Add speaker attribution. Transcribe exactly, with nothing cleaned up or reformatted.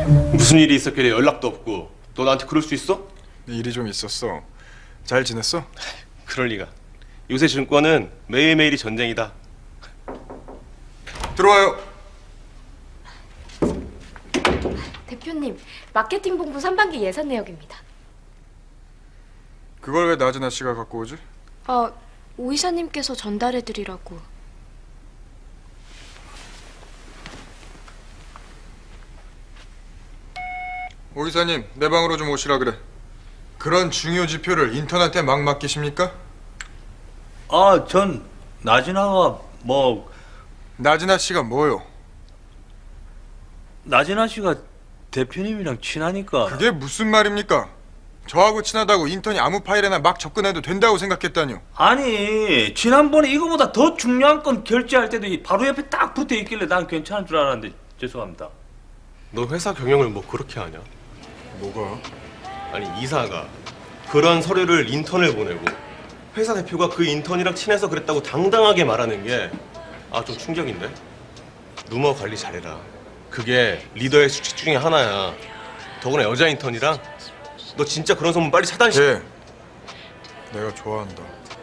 Speaker 1: 무슨 일이 있었길래 연락도 없고 너 나한테 그럴 수 있어?
Speaker 2: 일이 좀 있었어. 잘 지냈어?
Speaker 1: 그럴 리가. 요새 증권은 매일매일이 전쟁이다.
Speaker 2: 들어와요.
Speaker 3: 대표님, 마케팅 본부 상반기 예산 내역입니다.
Speaker 2: 그걸 왜 나진아 씨가 갖고 오지?
Speaker 3: 아, 오 이사님께서 전달해드리라고.
Speaker 2: 오 이사님, 내 방으로 좀 오시라 그래. 그런 중요 지표를 인턴한테 막 맡기십니까?
Speaker 4: 아, 전 나진아가 뭐
Speaker 2: 나진아 씨가 뭐요?
Speaker 4: 나진아 씨가 대표님이랑 친하니까.
Speaker 2: 그게 무슨 말입니까? 저하고 친하다고 인턴이 아무 파일에나 막 접근해도 된다고 생각했다뇨.
Speaker 4: 아니, 지난번에 이거보다 더 중요한 건 결제할 때도 이 바로 옆에 딱 붙어 있길래 난 괜찮은 줄 알았는데 죄송합니다.
Speaker 1: 너 회사 경영을 뭐 그렇게 하냐?
Speaker 2: 뭐가?
Speaker 1: 아니 이사가 그런 서류를 인턴을 보내고 회사 대표가 그 인턴이랑 친해서 그랬다고 당당하게 말하는 게 아 좀 충격인데? 루머 관리 잘해라. 그게 리더의 수칙 중에 하나야. 더구나 여자 인턴이랑 너 진짜 그런 소문 빨리 차단시.
Speaker 2: 예. 내가 좋아한다.